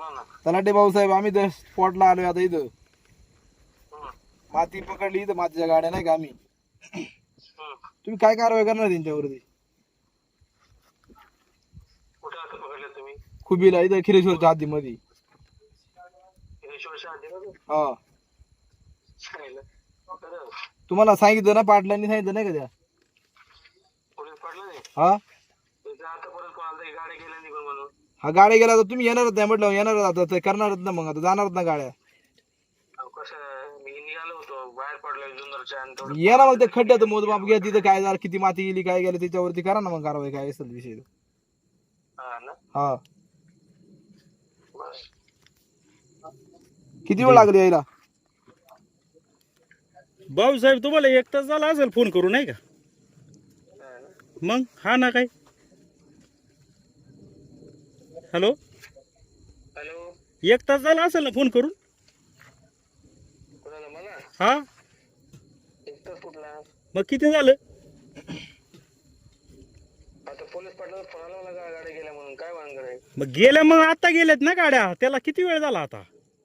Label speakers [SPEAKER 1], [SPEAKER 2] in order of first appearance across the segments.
[SPEAKER 1] तलाटे भाऊसाहेब आम्ही तर स्पॉटला आलोय आता इथं. माती पकडली इथं, मातीच्या गाड्या नाही का आम्ही. तुम्ही काय कारवाई करणार त्यांच्यावरती? खुबीला इथं खिरेश्वरच्या हद्दीमध्ये. हा तुम्हाला सांगितलं ना, पाटलांनी सांगितलं नाही का त्या? हा हा गाड्या गेल्या तर तुम्ही येणारच नाही म्हटलं, येणारच आता ते करणारच ना, मग आता जाणारच ना गाड्या. या ना मग ते खड्ड्यात मोजमाप घ्या, तिथं काय झालं, किती माती गेली, काय गेलं, त्याच्यावरती करा ना मग कारवाई, काय असेल विषय. हा किती वेळ लागली यायला?
[SPEAKER 2] भाऊसाहेब तुम्हाला 1 तास झाला असेल फोन करू, नाही का? मग हा ना काय. हॅलो, 1 तास झाला असेल ना फोन करून. हा मग किती झालं? मग गेल्या, मग आता गेल्यात ना गाड्या, त्याला किती वेळ झाला आता?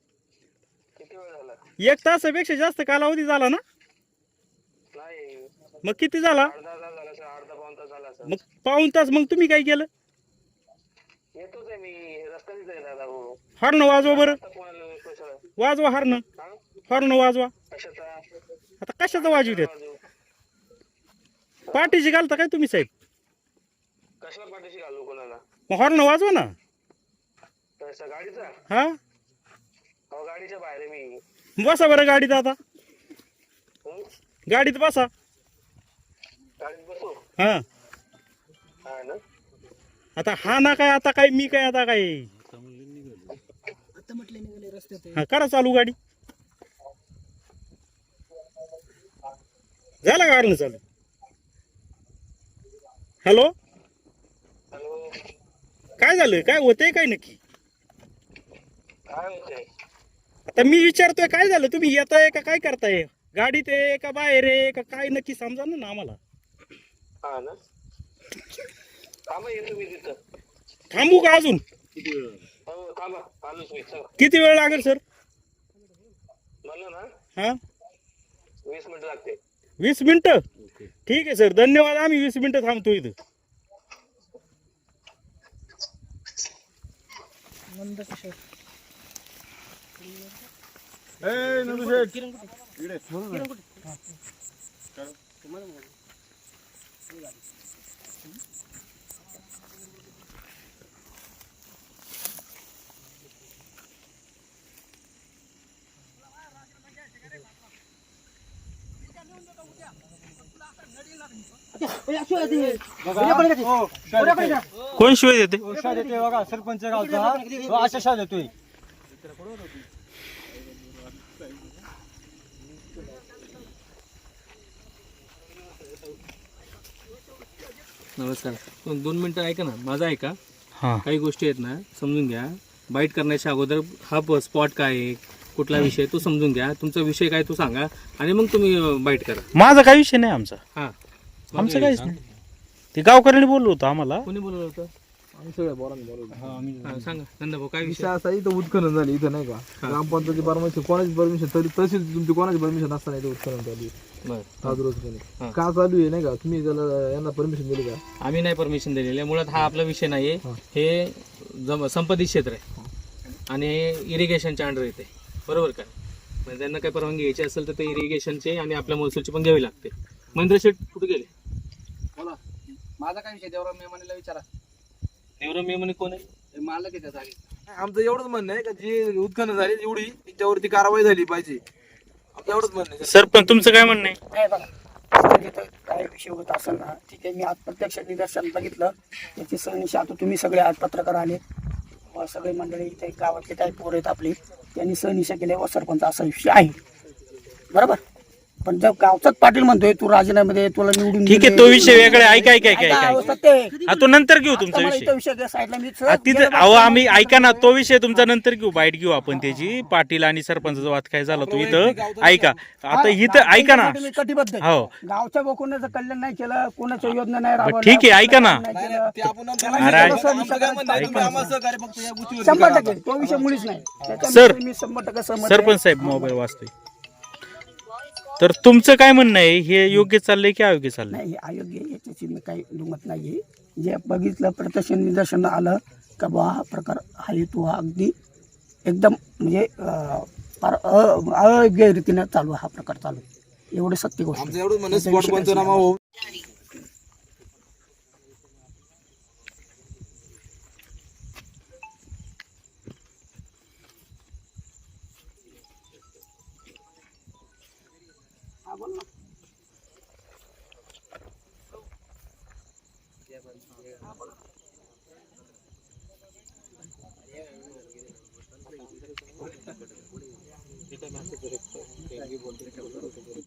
[SPEAKER 2] 1 तासापेक्षा जास्त कालावधी झाला ना. मग किती झाला? मग पाऊण तास. मग तुम्ही काय केलं? हॉर्न वाजवा बरं, वाजवा हॉर्न, हॉर्न वाजवा. आता कशाचं वाजवी देत? पाठीशी घालता काय तुम्ही साहेब? मग हॉर्न वाजवा ना. हा बसा बरं गाडीत, आता गाडीत बसा. हा आता हा ना काय, आता काय मी काय, आता काय हा करा चालू गाडी. झाला गाडीनं चालू. हॅलो, काय झालं, काय होतंय काय नक्की? आता मी विचारतोय काय झालं, तुम्ही येताय का काय करताय? गाडीत आहे का बाहेर आहे का काय, नक्की समजा ना आम्हाला. थांबू का अजून? किती वेळ लागेल सर? हा
[SPEAKER 3] 20 मिनिटं लागते.
[SPEAKER 2] 20 मिनिटं? ठीक आहे सर, धन्यवाद. आम्ही 20 मिनिटं थांबतो इथं. कोण शिवाय देते?
[SPEAKER 1] सरपंच गावचा अशा शा देतोय.
[SPEAKER 4] नमस्कार, 2 मिनिटं ऐका ना, माझा ऐका.
[SPEAKER 2] हा
[SPEAKER 4] काही गोष्टी आहेत ना, समजून घ्या. बाईट करण्याच्या अगोदर हा स्पॉट काय आहे, कुठला विषय तो समजून घ्या. तुमचा विषय काय तो सांगा आणि मग तुम्ही बाईट करा.
[SPEAKER 2] माझा काही विषय नाही आमचा.
[SPEAKER 4] हा
[SPEAKER 2] आमचं काहीच नाही. ते गावकऱ्यांनी बोललो होतं आम्हाला.
[SPEAKER 4] कोणी बोलवलं होतं?
[SPEAKER 1] आम्ही सगळ्या बोलांनी बोलवलं.
[SPEAKER 4] हा, सांगा नंदाभाऊ, काय
[SPEAKER 1] विषय
[SPEAKER 4] विषय?
[SPEAKER 1] असा, इथं उत्खनन झाली इथं नाही का, ग्रामपंचायती परमिशन, कोणाची परमिशन, तरी तशी तुमची कोणाची परमिशन नसताना इथं उत्खनन चालू
[SPEAKER 4] बरं,
[SPEAKER 1] आज रोजपणे का चालू आहे नाही का? तुम्ही त्याला यांना परमिशन दिली का?
[SPEAKER 4] आम्ही नाही परमिशन दिलेली आहे. मुळात हा आपला विषय नाहीये. हे संपत्ती क्षेत्र आहे आणि इरिगेशनच्या अंडर येते, बरोबर का? म्हणजे त्यांना काही परवानगी घ्यायची असेल तर ते इरिगेशनचे आणि आपल्या महसूलची पण घ्यावी लागते. महेंद्र शेठ कुठे गेले?
[SPEAKER 5] बोला, माझा काय विषय? देवराव मेमणीला विचारा.
[SPEAKER 4] देवराव मेमणे कोण आहे?
[SPEAKER 5] ते मालक आहे त्या जागी.
[SPEAKER 1] आमचं एवढंच म्हणणं आहे का, जी उत्खनन झाली एवढी त्याच्यावरती कारवाई झाली पाहिजे. आमचं एवढंच म्हणणं आहे.
[SPEAKER 2] सर पण तुमचं काय म्हणणं आहे?
[SPEAKER 6] नाही बघा, तिथं काय विषय होत असेल ना, ठीक आहे. मी आज प्रत्यक्ष निदर्शन बघितलं. त्याची सहनिशी आता तुम्ही सगळे आज पत्रकार आले, सगळे मंडळी इथे गावातले काही पोरं आहेत आपली, त्यांनी सहनिशा केल्या व सरपंच असा विषय आहे, बरोबर. पण जर गावचाच पाटील म्हणतोय तू राजीनामे दे, तुला निवडून
[SPEAKER 2] ठीक आहे,
[SPEAKER 6] दिले.
[SPEAKER 2] तो विषय वेगळा आहे. ऐका
[SPEAKER 6] ऐका, अहो, सत्य आहे.
[SPEAKER 2] हा, तो नंतर घेऊ तुमचा
[SPEAKER 6] आता मला
[SPEAKER 2] विषय.
[SPEAKER 6] इथं विषय घ्या साईडला, मी
[SPEAKER 2] हा, तिथं अहो आम्ही ऐका ना, तो विषय तुमचा नंतर घेऊ, बाईट घेऊ आपण त्याची. पाटील आणि सरपंचाचा वाद काय झाला तो इथं ऐका. आता इथं ऐका ना.
[SPEAKER 6] मी कटिबद्ध आहे.
[SPEAKER 2] हो
[SPEAKER 6] गावच्या कोणाचं कल्याण नाही केलं, कोणाच्या योजना नाही राबवल्या,
[SPEAKER 2] ठीक आहे, ऐका ना.
[SPEAKER 6] नाही केलं.
[SPEAKER 1] ते आपण नंतर
[SPEAKER 6] त्याला
[SPEAKER 2] अरे,
[SPEAKER 6] मी थोडंसं विचार करायचं.
[SPEAKER 1] तुम्ही आम्हाला सहकार्य फक्त या गोष्टीवर
[SPEAKER 6] 100% तो विषय मुळीच नाही.
[SPEAKER 2] सर,
[SPEAKER 6] त्याच्यामध्ये मी 100% सहमत आहे.
[SPEAKER 2] सरपंच साहेब मोबाईल वाचतोय. तर तुमचं काय म्हणणं आहे, हे योग्य चाललंय की अयोग्य चाललंय?
[SPEAKER 6] नाही, हे अयोग्य आहे, याच्याची मी काही दुमत नाही. जे बघितलं प्रत्यक्ष निदर्शन आलं का बा हा प्रकार हा हेतू हा अगदी एकदम म्हणजे फार अयोग्य रीतीनं चालू हा प्रकार चालू आहे. एवढी सत्य गोष्ट
[SPEAKER 1] आमचं
[SPEAKER 6] आहे.
[SPEAKER 1] एवढं म्हणणं
[SPEAKER 6] त्याचा
[SPEAKER 1] स्पॉट
[SPEAKER 6] विषय
[SPEAKER 1] पंचनामा
[SPEAKER 6] काहीच
[SPEAKER 1] हो
[SPEAKER 6] नाही. हा, बोल ना.